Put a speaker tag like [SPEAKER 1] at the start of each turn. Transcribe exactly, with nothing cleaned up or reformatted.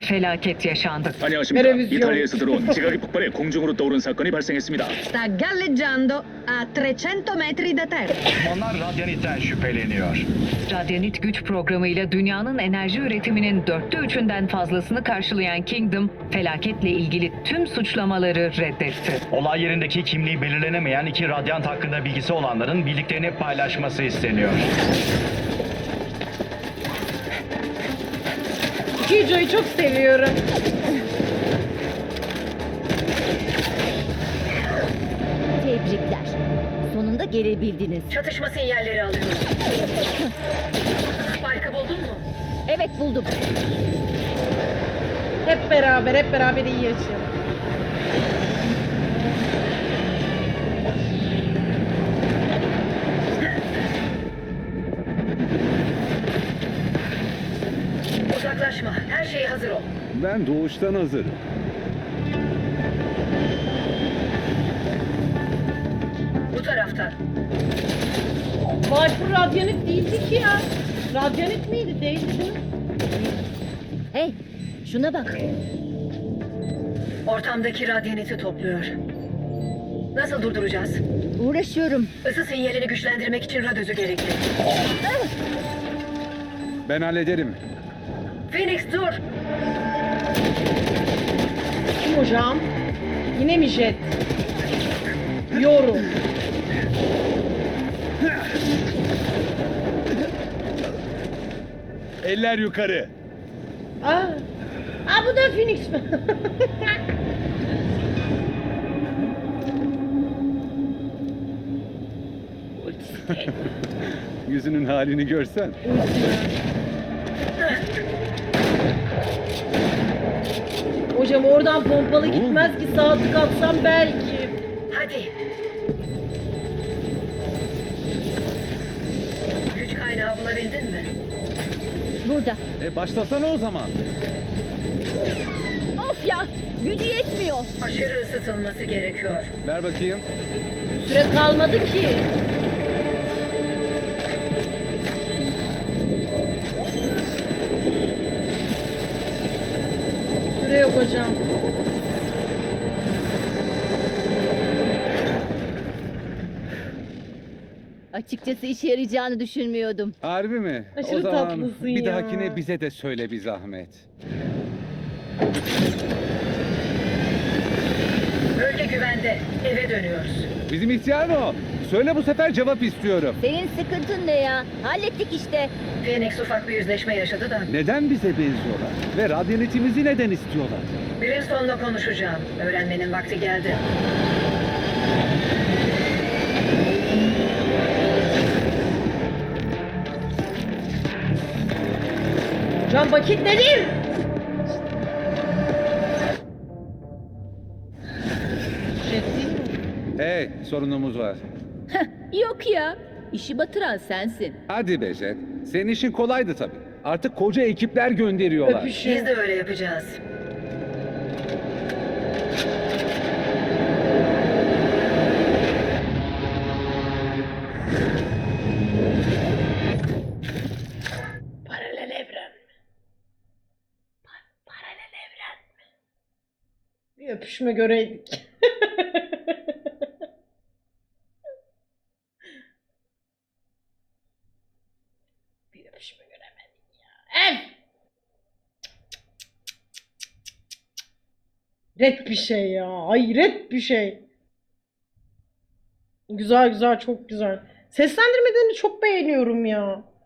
[SPEAKER 1] felaket yaşandı.
[SPEAKER 2] 안녕하십니까.
[SPEAKER 3] Televizyon.
[SPEAKER 2] 이탈리아에서 들어온 지각이 폭발해 공중으로 떠오른 사건이 발생했습니다.
[SPEAKER 4] Sta galleggiando a trecento metri da terra.
[SPEAKER 5] Uzmanlar radyanitten şüpheleniyor.
[SPEAKER 1] Radyanit güç programıyla dünyanın enerji üretiminin dörtte üçünden fazlasını karşılayan Kingdom, felaketle ilgili tüm suçlamaları reddetti.
[SPEAKER 5] Olay yerindeki kimliği belirlenemeyen iki radyant hakkında bilgisi olanların bildiklerini paylaşması isteniyor.
[SPEAKER 3] Kijo'yu çok seviyorum.
[SPEAKER 6] Tebrikler. Sonunda gelebildiniz.
[SPEAKER 4] Çatışma sinyalleri alıyorum. Spike'ı buldun mu?
[SPEAKER 6] Evet, buldum.
[SPEAKER 3] Hep beraber, hep beraber iyi yaşayalım.
[SPEAKER 4] Uzaklaşma. Her şey hazır ol.
[SPEAKER 7] Ben doğuştan hazırım.
[SPEAKER 4] Bu taraftan.
[SPEAKER 3] Viper radyanit değildi ki ya. Radyanit miydi? Değildi değil mi?
[SPEAKER 6] Hey, şuna bak.
[SPEAKER 4] Ortamdaki radyaniti topluyor. Nasıl durduracağız?
[SPEAKER 6] Uğraşıyorum.
[SPEAKER 4] Isı sinyalini güçlendirmek için radyözü gerekli.
[SPEAKER 7] Ben hallederim.
[SPEAKER 4] Phoenix dur.
[SPEAKER 3] Kim hocam? Yine mi jet? Yorum.
[SPEAKER 7] Eller yukarı.
[SPEAKER 3] Aa. Aa, bu da Phoenix mi?
[SPEAKER 7] Yüzünün halini görsen.
[SPEAKER 3] Hocam oradan pompalı gitmez ki, sağ tık atsam belki.
[SPEAKER 4] Hadi. Güç kaynağı bulabildin mi?
[SPEAKER 6] Burada.
[SPEAKER 7] E başlasana o zaman.
[SPEAKER 6] Of ya, gücü yetmiyor.
[SPEAKER 4] Aşırı ısıtılması gerekiyor.
[SPEAKER 7] Ver bakayım.
[SPEAKER 3] Süre kalmadı ki. Süre yok hocam.
[SPEAKER 6] Açıkçası işe yarayacağını düşünmüyordum.
[SPEAKER 7] Harbi mi?
[SPEAKER 3] Aşırı
[SPEAKER 7] o zaman
[SPEAKER 3] tatlısın
[SPEAKER 7] bir
[SPEAKER 3] ya.
[SPEAKER 7] dahakine bize de söyle bir zahmet.
[SPEAKER 4] Bölge güvende. Eve dönüyoruz.
[SPEAKER 7] Bizim ihtiyar mı o? Söyle bu sefer cevap istiyorum.
[SPEAKER 6] Senin sıkıntın ne ya? Hallettik işte.
[SPEAKER 4] Phoenix ufak bir yüzleşme yaşadı da.
[SPEAKER 7] Neden bize benziyorlar? Ve radyanetimizi neden istiyorlar?
[SPEAKER 4] Brimstone'la konuşacağım. Öğrenmenin vakti geldi.
[SPEAKER 3] Hocam vakit nedir? Jet değil mi?
[SPEAKER 7] Hey, sorunumuz var.
[SPEAKER 6] Yok ya. İşi batıran sensin.
[SPEAKER 7] Hadi be Jet. Senin işin kolaydı tabii. Artık koca ekipler gönderiyorlar.
[SPEAKER 4] Biz
[SPEAKER 3] Öpüşün.
[SPEAKER 4] de öyle yapacağız.
[SPEAKER 3] Paralel evren mi? Pa- paralel evren mi? Bir öpüşme göreydik. Bir öpüşme göremedik ya. Ev! Ret bir şey ya. Hayret bir şey. Güzel güzel, çok güzel. Seslendirmelerini çok beğeniyorum ya.